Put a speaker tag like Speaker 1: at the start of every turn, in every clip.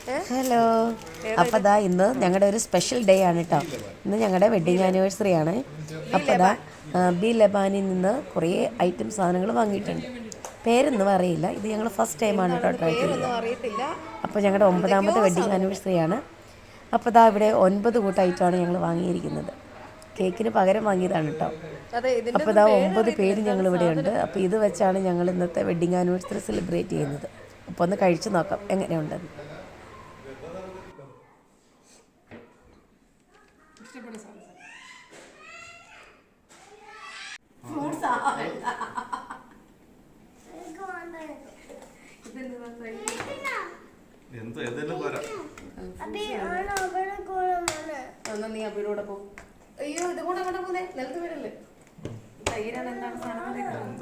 Speaker 1: Hello. അപ്പോൾ ദാ ഇന്ന് ഞങ്ങളുടെ ഒരു സ്പെഷ്യൽ ഡേ ആണ് കേട്ടോ. ഇന്ന് ഞങ്ങളുടെ വെഡ്ഡിങ് ആനിവേഴ്സറി ആണ്. അപ്പോൾ ദാ ബി ലബാനിൽ നിന്ന് കുറേ ഐറ്റം സാധനങ്ങൾ വാങ്ങിയിട്ടുണ്ട്. പേരൊന്നും അറിയില്ല. ഇത് ഞങ്ങൾ ഫസ്റ്റ് ടൈമാണ് കേട്ടോ ട്രൈ ചെയ്തത്. അപ്പോൾ ഞങ്ങളുടെ 9ാമത്തെ വെഡ്ഡിങ് ആനിവേഴ്സറി ആണ്. അപ്പോൾ ദാ ഇവിടെ 9 കൂട്ടം ഐറ്റമാണ് ഞങ്ങൾ വാങ്ങിയിരിക്കുന്നത്. കേക്കിന് പകരം വാങ്ങിയതാണ് കേട്ടോ. അപ്പോൾ ഇതാ 9 പേര് ഞങ്ങളിവിടെ ഉണ്ട്. അപ്പോൾ ഇത് വെച്ചാണ് ഞങ്ങൾ ഇന്നത്തെ വെഡ്ഡിങ് ആനിവേഴ്സറി സെലിബ്രേറ്റ് ചെയ്യുന്നത്. അപ്പോൾ ഒന്ന് കഴിച്ച് നോക്കാം എങ്ങനെയുണ്ടെന്ന്. നീ അബിയുടെ പോ. അയ്യോ ഇത് കൂടെ അങ്ങോട്ട് പോന്നെ നിലത്ത് വീടല്ലേ. തൈരാണ് എന്താണ് സാധനം?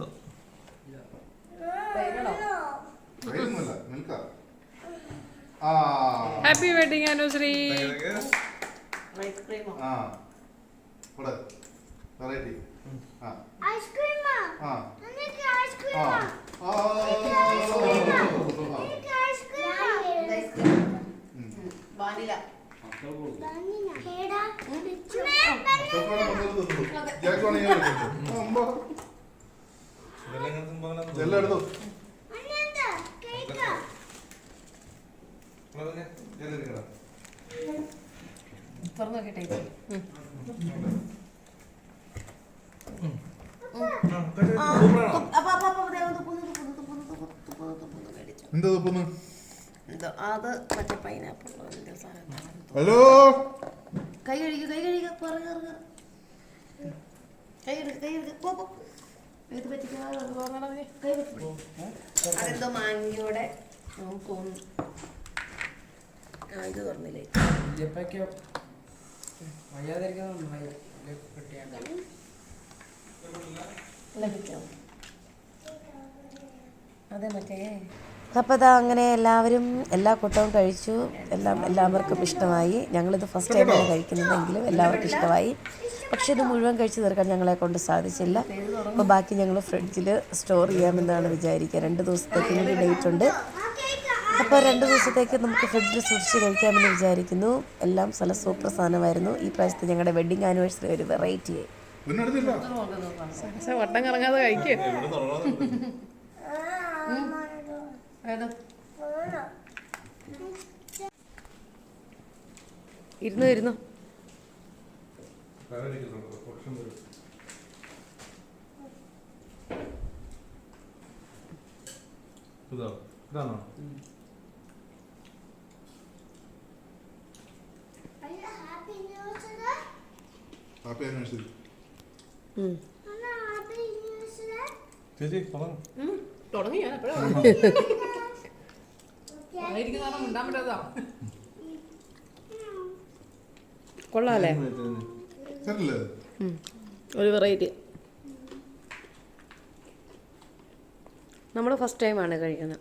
Speaker 2: Happy wedding anniversary.
Speaker 1: ഐസ്ക്രീമോ? വാനില. തുറന്നു നോക്കിട്ടെ. അത് മറ്റേ പൈനാപ്പിൾ.
Speaker 3: ഹലോ,
Speaker 1: കൈ കഴുകി കൈ കഴുകി കൈ എടുക്ക പോ. അതെന്തോ മാങ്ങിയോടെ തോന്നുന്നു. ഇത് തുറന്നില്ലേ? അതെ മറ്റേ. അപ്പോൾ ഇതാ അങ്ങനെ എല്ലാവരും എല്ലാ കൂട്ടവും കഴിച്ചു. എല്ലാവർക്കും ഇഷ്ടമായി. ഞങ്ങളിത് ഫസ്റ്റ് ടൈമാണ് കഴിക്കുന്നതെങ്കിലും എല്ലാവർക്കും ഇഷ്ടമായി. പക്ഷേ ഇത് മുഴുവൻ കഴിച്ച് തീർക്കാൻ ഞങ്ങളെ കൊണ്ട് സാധിച്ചില്ല. അപ്പോൾ ബാക്കി ഞങ്ങൾ ഫ്രിഡ്ജിൽ സ്റ്റോർ ചെയ്യാമെന്നാണ് വിചാരിക്കുക. 2 ദിവസത്തേക്ക് കൂടി ഡേറ്റ് ഉണ്ട്. അപ്പോൾ 2 ദിവസത്തേക്ക് നമുക്ക് ഫ്രിഡ്ജിൽ സൂക്ഷിച്ച് കഴിക്കാമെന്ന് വിചാരിക്കുന്നു. എല്ലാം നല്ല സൂപ്പർ സാധനമായിരുന്നു. ഈ പ്രാവശ്യത്തെ ഞങ്ങളുടെ വെഡ്ഡിങ് ആനിവേഴ്സറി ഒരു വെറൈറ്റി ആയി.
Speaker 2: വട്ടം കറങ്ങാതെ കഴിക്കേ.
Speaker 1: ഇരുന്നു
Speaker 3: ഹാപ്പി ആനിവേഴ്സറി.
Speaker 2: തുടങ്ങി. ഞാൻ എപ്പോഴാണ്
Speaker 1: കൊള്ളാല്ലേ? ഒരു വെറൈറ്റി. നമ്മൾ ഫസ്റ്റ് ടൈമാണ് കഴിക്കുന്നത്.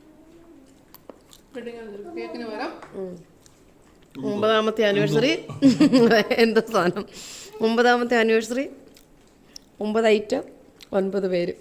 Speaker 1: 9ാമത്തെ ആനിവേഴ്സറി. എന്താ സാധനം? 9ാമത്തെ ആനിവേഴ്സറി, 9 ഐറ്റം, 9 പേര്.